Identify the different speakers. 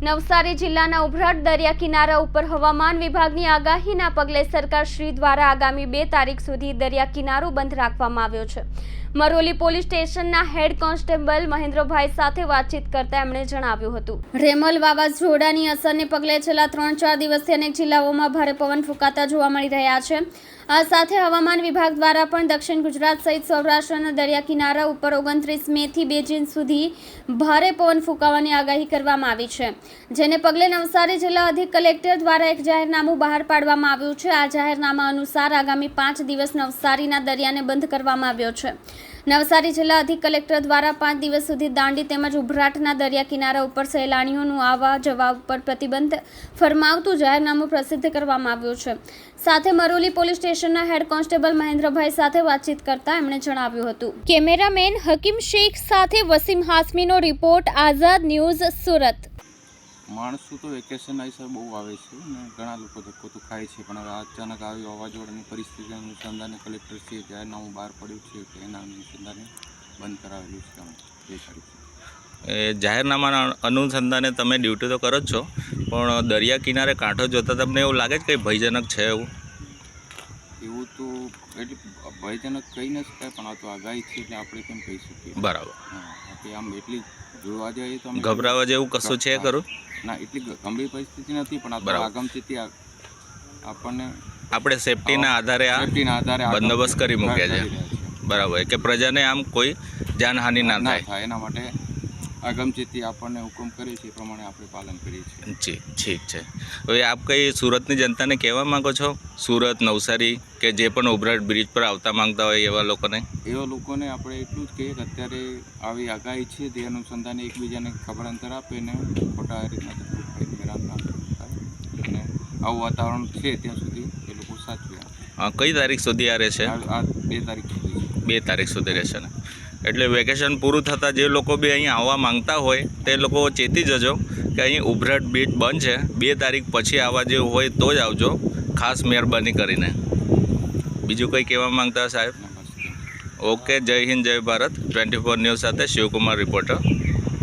Speaker 1: નવસારી જિલ્લાના ઉભરાટ દરિયા કિનારા ઉપર હવામાન વિભાગની આગાહીના પગલે સરકારશ્રી દ્વારા આગામી 2 તારીખ સુધી દરિયા કિનારો બંધ રાખવામાં આવ્યો છે। મરોલી પોલીસ સ્ટેશનના હેડ કોન્સ્ટેબલ મહેન્દ્રભાઈ સાથે વાતચીત કરતા એમણે જણાવ્યું હતું, રેમલ વાવાઝોડાની અસરને પગલે છેલ્લા 3-4 દિવસથી અનેક જિલ્લાઓમાં ભારે પવન ફૂંકાતા જોવા મળી રહ્યા છે। આ સાથે હવામાન વિભાગ દ્વારા પણ દક્ષિણ ગુજરાત સહિત સૌરાષ્ટ્રના દરિયા કિનારા ઉપર 29 મે થી 2 જૂન સુધી ભારે પવન ફૂંકાવાની આગાહી કરવામાં આવી છે, જેને પગલે નવસારી જિલ્લા અધિક કલેક્ટર દ્વારા એક જાહેરનામું બહાર પાડવામાં આવ્યું છે। આ જાહેરનામા અનુસાર આગામી 5 દિવસ નવસારીના દરિયાને બંધ કરવામાં આવ્યો છે। નવસારી જિલ્લા અધિક કલેક્ટર દ્વારા 5 દિવસ સુધી દાંડી તેમજ ઉભરાટના દરિયા કિનારા ઉપર સહેલાણીઓનું આવવા જવા ઉપર પ્રતિબંધ ફરમાવતું જાહેરનામું પ્રસિદ્ધ કરવામાં આવ્યું છે। સાથે મરોલી પોલીસ સ્ટેશનના હેડ કોન્સ્ટેબલ મહેન્દ્રભાઈ સાથે વાતચીત કરતા એમણે જણાવ્યું હતું। કેમેરામેન હકીમ શેખ સાથે વસીમ હાસમીનો રિપોર્ટ, આઝાદ ન્યૂઝ, સુરત।
Speaker 2: માણસો તો વેકેશન આવી બહુ આવે છે ને ઘણા લોકો ધક્કો તો ખાય છે, પણ હવે અચાનક આવી વાવાઝોડાની પરિસ્થિતિ અનુસંધાને કલેક્ટરશ્રીએ જાહેરનામું બહાર પડ્યું છે કે એના અનુસંધાને બંધ કરાવેલું છે 2 તારીખે।
Speaker 3: એ જાહેરનામાના અનુસંધાને તમે ડ્યુટી તો કરો જ છો, પણ દરિયા કિનારે કાંઠો જોતા તમને એવું લાગે છે કે ભયજનક છે?
Speaker 2: એવું તો એટલે ભયજનક કહી ન શકાય, પણ આ તો આગાહી છે એટલે આપણે કેમ કહી શકીએ?
Speaker 3: બરાબર।
Speaker 2: હા, કે આમ એટલી જોવા જઈએ તો
Speaker 3: ગભરાવા જેવું કશું છે ખરું?
Speaker 2: ના, એટલી ગંભીર પરિસ્થિતિ નથી, પણ આ તો આગમથી આપણને
Speaker 3: આપણે સેફટીના આધારે આ બંદોબસ્ત કરી મૂક્યા છે। બરાબર, કે પ્રજાને આમ કોઈ જાનહાનિ ના થાય
Speaker 2: એના માટે આગમચેતી આપણને હુકમ કરે છે એ પ્રમાણે આપણે પાલન કરીએ છીએ।
Speaker 3: જી, ઠીક છે। હવે આપ કઈ સુરતની જનતાને કહેવા માંગો છો, સુરત, નવસારી કે જે પણ ઉભરાટ બ્રિજ પર આવતા માંગતા હોય એવા લોકોને
Speaker 2: આપણે એટલું જ કહીએ કે અત્યારે આવી આગાહી છે તે અનુસંધાને એકબીજાને ખબર અંતર આપે ને ખોટા રીતના હેરાન ના થાય, અને આવું વાતાવરણ છે ત્યાં સુધી એ લોકો સાચવે।
Speaker 3: કઈ તારીખ સુધી આ રહેશે?
Speaker 2: આ 2 તારીખ સુધી
Speaker 3: 2 તારીખ સુધી રહેશે ને? એટલે વેકેશન પૂરું થતાં જે લોકો બી અહીં આવવા માંગતા હોય તે લોકો ચેતી જજો કે અહીં ઉભરાટ બીચ બંધ છે, 2 તારીખ પછી આવવા જેવું હોય તો જ આવજો, ખાસ મહેરબાની કરીને। બીજું કંઈ કહેવા માંગતા સાહેબ? ઓકે, જય હિન્દ, જય ભારત। 24 ન્યૂઝ સાથે શિવકુમાર, રિપોર્ટર,